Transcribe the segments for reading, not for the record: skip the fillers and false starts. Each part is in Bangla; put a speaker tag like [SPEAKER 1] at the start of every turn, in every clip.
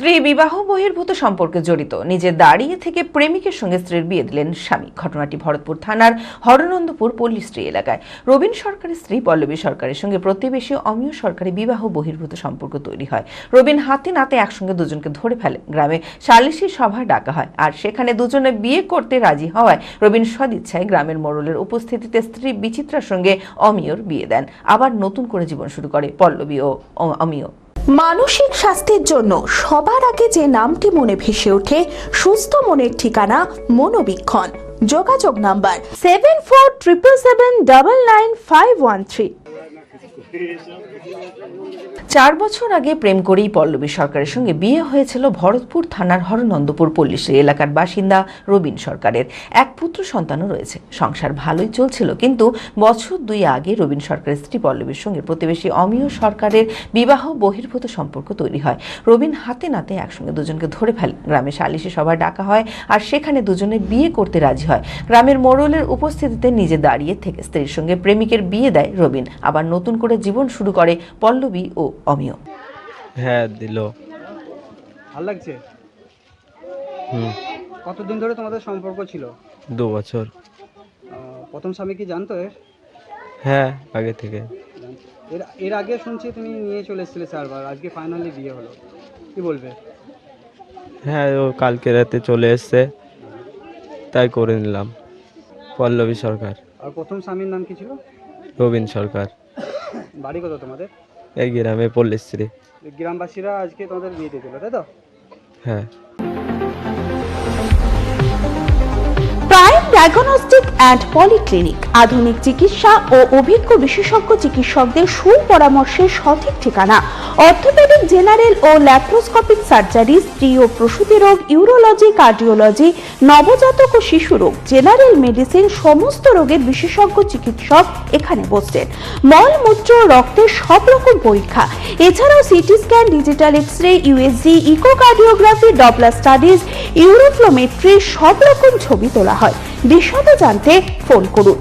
[SPEAKER 1] স্ত্রী বিবাহ বহির্ভূত সম্পর্কে জড়িত, নিজে দাঁড়িয়ে থেকে প্রেমিকের সঙ্গে স্ত্রীর বিয়ে দিলেন স্বামী। ঘটনাটি ভরতপুর থানার হরনন্দপুর পল্লীশ্রী এলাকায়। রবীন সরকারের স্ত্রী পল্লবী সরকারের সঙ্গে প্রতিবেশী অমিয় সরকারের বিবাহ বহির্ভূত সম্পর্ক তৈরি হয়। রবীন হাতে নাতে একসঙ্গে দুজনকে ধরে ফেলে। গ্রামে সালিশি সভা ডাকা হয়, আর সেখানে দুজনে বিয়ে করতে রাজি হওয়ায় রবীন সদিচ্ছায় গ্রামের মোড়লের উপস্থিতিতে স্ত্রী বিচিত্রার সঙ্গে অমিয়র বিয়ে দেন। আবার নতুন করে জীবন শুরু করে পল্লবী ও অমিয়।
[SPEAKER 2] মানসিক স্বাস্থ্যের জন্য সবার আগে যে নামটি মনে ভেসে ওঠে, সুস্থ মনের ঠিকানা মনোবীক্ষণ। যোগাযোগ নাম্বার 7477799513।
[SPEAKER 1] 4 বছর আগে প্রেম করেই পল্লবী সরকারের সঙ্গে বিয়ে হয়েছিল ভরতপুর থানার হরনন্দপুর পল্লীশ্রী এলাকার বাসিন্দা রবীন সরকারের। এক পুত্র সন্তানও রয়েছে। সংসার ভালোই চলছিল, কিন্তু বছর 2 আগে রবীন সরকারের স্ত্রী পল্লবীর সঙ্গে প্রতিবেশী অমিয় সরকারের বিবাহ বহির্ভূত সম্পর্ক তৈরি হয়। রবীন হাতে নাতে একসঙ্গে দুজনকে ধরে ফেলে। গ্রামে সালিশি সভা ডাকা হয়, আর সেখানে দুজনে বিয়ে করতে রাজি হয়। গ্রামের মোড়লের উপস্থিতিতে নিজে দাঁড়িয়ে থেকে স্ত্রীর সঙ্গে প্রেমিকের বিয়ে দেয় রবীন। আবার নতুন করে জীবন শুরু করে পল্লবী ও অমিয়।
[SPEAKER 3] হ্যাঁ, দিল।
[SPEAKER 4] ভালো লাগছে? কতদিন ধরে তোমাদের সম্পর্ক ছিল?
[SPEAKER 3] 2 বছর।
[SPEAKER 4] প্রথম স্বামী কি জানতো এর?
[SPEAKER 3] হ্যাঁ, আগে থেকে।
[SPEAKER 4] এর আগে শুনছি তুমি নিয়ে চলে এসেছিলে 4 বার, আজকে ফাইনালি বিয়ে হলো, কি বলবে?
[SPEAKER 3] হ্যাঁ, ও কালকে রাতে চলে এসছে, তাই করে নিলাম। পল্লবী সরকার।
[SPEAKER 4] আর প্রথম স্বামীর নাম কি ছিল?
[SPEAKER 3] রবীন সরকার।
[SPEAKER 4] বাড়ি কত তোমাদের?
[SPEAKER 3] এই গ্রামে পল্লীশ্রী।
[SPEAKER 4] গ্রামবাসীরা আজকে তোমাদের বিয়ে দিয়ে দিল, তাই তো?
[SPEAKER 3] হ্যাঁ।
[SPEAKER 2] প্রাইম ডায়াগনস্টিক অ্যান্ড পলিক্লিনিক আধুনিক চিকিৎসা ও অভিজ্ঞ বিশেষজ্ঞ চিকিৎসকদের সুপরামর্শের সঠিক ঠিকানা। অর্থোপেডিক, জেনারেল ও ল্যাপ্রোস্কোপিক সার্জারি, স্ত্রী ও প্রসূতি রোগ, ইউরোলজি, কার্ডিওলজি, নবজাতক ও শিশু রোগ, জেনারেল মেডিসিন, সমস্ত রোগের বিশেষজ্ঞ চিকিৎসক এখানে বসছেন। মল, মূত্র, রক্তের সব রকম পরীক্ষা, এছাড়াও CT scan, digital x-ray, USG, echocardiography, Doppler studies, uroflowmetry, সব রকম ছবি তোলা হয়। বিশদে জানতে ফোন করুন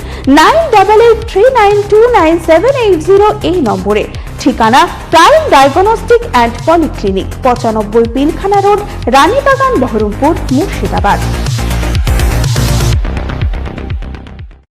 [SPEAKER 2] 9883929780 এই নম্বরে। ঠিকানা prime diagnostic and polyclinic, 95 Pilkhana road, Ranibagan, Baharampur, Murshidabad.